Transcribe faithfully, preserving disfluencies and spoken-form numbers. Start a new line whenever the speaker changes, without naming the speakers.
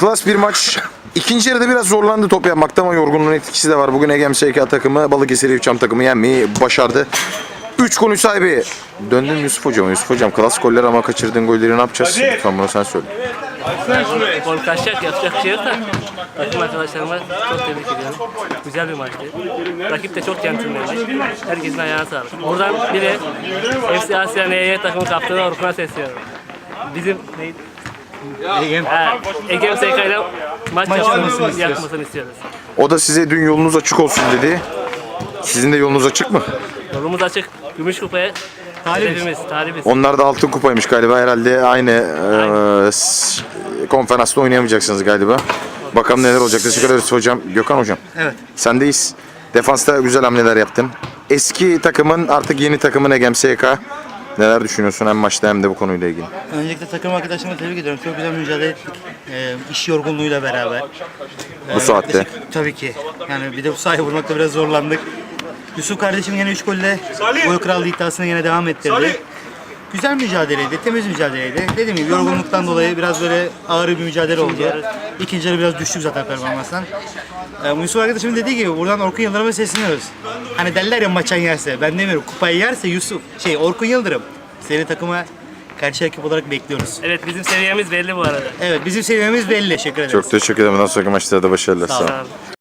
Klas bir maç. İkinci yarıda biraz zorlandı top yapmakta ama yorgunluğun etkisi de var. Bugün Egem S K takımı Balıkesir Evçam takımı yenmeyi başardı. üç golün sahibi. Döndüm Yusuf Hocam. Yusuf Hocam klas goller ama kaçırdığın golleri ne yapacağız? Lütfen bunu sen söyle.
Gol kaçacak, yapacak bir şey yok da takım arkadaşlarıma çok tebrik ediyorum. Güzel bir maçtı. Rakip de çok centilmenmiş. Herkesin ayağına sağlık. Buradan biri F C Asya N Y takımı kaptanı Orkun'a sesleniyorum. Bizim neydi? Egem. Ha, Egem S K ile maç yapmasını, yapmasını istiyoruz.
O da size dün yolunuz açık olsun dedi. Sizin de yolunuz açık mı?
Yolumuz açık. Gümüş kupaya talibimiz, talibiz.
Onlar da altın kupaymış galiba. Herhalde aynı e, s- konferansta oynayamayacaksınız galiba. Bakalım neler olacak. Teşekkür ederiz hocam. Gökhan hocam.
Evet.
Sendeyiz. Defansta güzel hamleler yaptın. Eski takımın artık yeni takımın Egem S K. Neler düşünüyorsun hem maçta hem de bu konuyla ilgili?
Öncelikle takım arkadaşlarıma tebrik ediyorum. Çok güzel mücadele ettik. Ee, iş yorgunluğuyla beraber.
Bu saatte.
yaklaşık- Tabii ki. Yani bir de bu sahaya vurmakta biraz zorlandık. Yusuf kardeşim yine üç golle gol krallığı iddiasını yine devam ettirdi. Güzel mücadeleydi, temiz mücadeleydi. Dediğim gibi yorgunluktan dolayı biraz böyle ağır bir mücadele oldu. İkinci yarı biraz düştük zaten performanstan. Ee, Yusuf arkadaşımın dediği gibi buradan Orkun Yıldırım'a sesleniyoruz. Hani derler ya maçan yerse, ben demiyorum kupayı yerse Yusuf, şey Orkun Yıldırım. Seni takıma karşı rakip olarak bekliyoruz.
Evet, bizim seviyemiz belli bu arada.
Evet, bizim seviyemiz belli. Teşekkür ederiz.
Çok teşekkür ederim. Ondan sonraki maçlarda başarılar.
Sağ ol.
Sağ olun.